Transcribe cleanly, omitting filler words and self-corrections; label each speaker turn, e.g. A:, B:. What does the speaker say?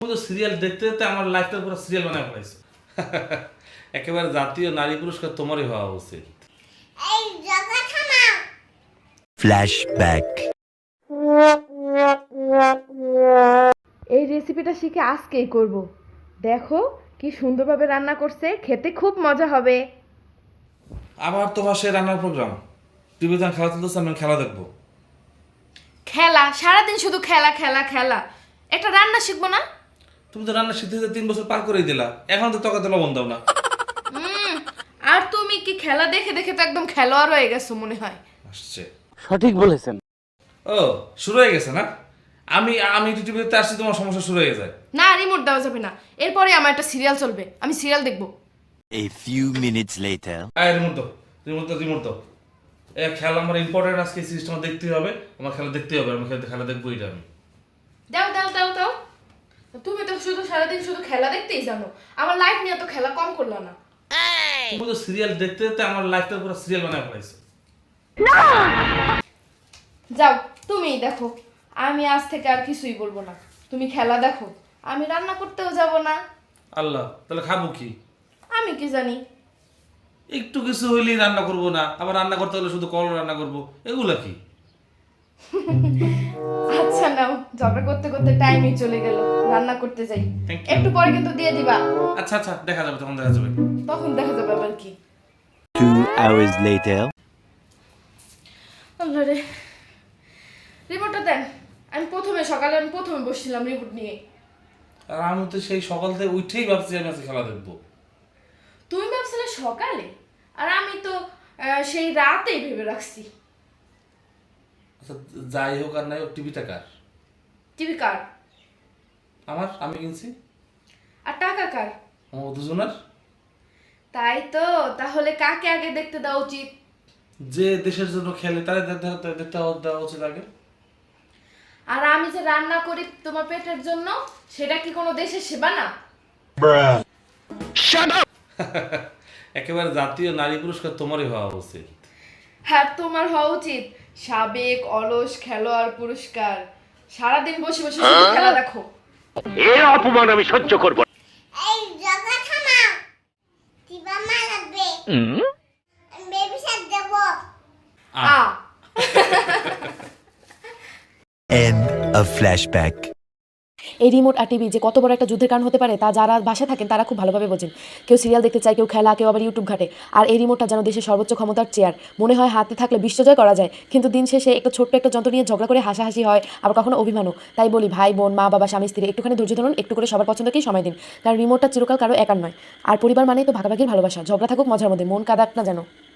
A: তো সিরিয়াল দেখতে দেখতে আমার লাইফটা পুরো সিরিয়াল বানায় ফেলাইছো। একেবারে জাতীয় নারী পুরস্কার তোমারই হওয়া উচিত।
B: ফ্ল্যাশব্যাক।
C: এই রেসিপিটা শিখে আজকেই করব। দেখো কি সুন্দরভাবে রান্না করছে, খেতে খুব মজা হবে।
A: আবার তোমার সেই রান্নার প্রোগ্রাম, টিভিতে খেলা চলতেছে, আমি খেলা দেখবো।
C: খেলা? সারাদিন শুধু খেলা খেলা খেলা। একটা রান্না শিখবো না?
A: তুমি তো রান্না শিখতে 3 বছর পার করেই দিলা, এখন তো তকাতে লবণ দাও না।
C: আর তুমি কি খেলা দেখে দেখে তো একদম খেলোয়াড় হয়ে গেছো মনে হয়।
A: আসছে।
D: সঠিক বলেছেন।
A: ও শুরু হয়ে গেছে না? আমি আমি টিভিতে আসছি, তোমার সমস্যা শুরু হয়ে যায়।
C: না, রিমোট দেওয়া যাবে না। এরপরে আমার একটা সিরিয়াল চলবে, আমি সিরিয়াল দেখবো।
B: A few minutes later.
A: আয় রিমোট দাও, রিমোট দাও। খেলা আমার ইম্পর্টেন্ট, আজকে সিস্টেম দেখতেই হবে, আমার খেলা দেখতেই হবে, আমি খেলা দেখবো এটা আমি।
C: দাও দাও দাও দাও। তুমি তো শুধু সারাদিন শুধু খেলা দেখতেই জানো, আমার লাইফ নিয়ে তো খেলা কম করলা না।
A: তুমি তো সিরিয়াল দেখতে দেখতে আমার লাইফটা পুরো সিরিয়াল বানায় ফেলাইছো।
C: যাও তুমিই দেখো, আমি আজ থেকে আর কিছুই বলবো না। তুমি খেলা দেখো, আমি রান্না করতেও যাব না।
A: আল্লাহ, তাহলে খাবো কি?
C: আমি কি জানি।
A: একটু কিছু হইলেই রান্না করবো না, আবার রান্না করতে হলে শুধু কল রান্না করবো, এগুলা কি?
C: আচ্ছা নাও, ঝগড়া করতে করতে টাইমই চলে গেল, রান্না করতে যাই।
A: Thank you.
C: একটু পরে কিন্তু দিয়ে দিবা।
A: আচ্ছা আচ্ছা, দেখা যাবে, তখন দেখা যাবে।
C: তখন দেখা যাবে আবার কি।
B: 2 hours later.
C: আল্লাহ রে, রিমোটটা দেন। সকালে আমি প্রথমে বসছিলাম রিমোট নিয়ে।
A: আর আমি তো সেই সকাল থেকে উঠেই ভাবছি আমি আজকে খেলা দেখবো।
C: তুমি ভাবছিলে সকালে, আর আমি তো সেই রাতেই ভেবে রাখছি।
A: আচ্ছা, যাই হোক আর নাই হোক, টিভিটা কার?
C: টিভি কার?
A: আমি কিনছি।
C: আর টাকা কার?
A: আমার দুজনের।
C: তাই তো, তাহলে কাকে আগে দেখতে দেওয়া উচিত?
A: যে দেশের জন্য খেলে তাদের দেখতে দেওয়া উচিত আগে।
C: আর আমি যে রান্না করি তোমার পেটের জন্য, সেটা কি কোনো দেশের সেবা না?
A: একেবারে জাতীয় নারী পুরস্কার তোমারই হওয়া উচিত।
C: হ্যাঁ, তোমার হওয়া উচিত সাবেক অলস খেলোয়াড় পুরস্কার। সারাদিন বসে বসে শুধু খেলা দেখো।
D: এর অপমান আমি সহ্য করব না।
E: এই জগা থামাও, দিবা মা লাগবে। বেবি শাক দেব।
C: আ
B: End of flashback.
F: এই রিমোট আর টিভি যে কত বড় একটা যুদ্ধের কারণ হতে পারে তা যারা বাসায় থাকেন তারা খুব ভালোভাবে বোঝেন। কেউ সিরিয়াল দেখতে চায়, কেউ খেলা, কেউ আবার ইউটিউব ঘাটে। আর এই রিমোটটা যেন দেশের সর্বোচ্চ ক্ষমতার চেয়ার। মনে হয় হাতে থাকলে বিশ্বজয় করা যায়, কিন্তু দিন শেষে একটা ছোট্ট একটা যন্ত্র নিয়ে ঝগড়া করে হাসাহাসি হয়, আবার কখনো অভিমানও। তাই বলি ভাই বোন, মা বাবা, স্বামী স্ত্রী একটুখানি ধৈর্য ধরুন, একটু করে সবার পছন্দকেই সময় দিন। কারণ রিমোটটা চিরকাল কারো একার নয়। আর পরিবার মানেই তো ভাগাভাগির ভালোবাসা। ঝগড়া থাকুক মজার মধ্যে, মন কাঁদাক না যেন।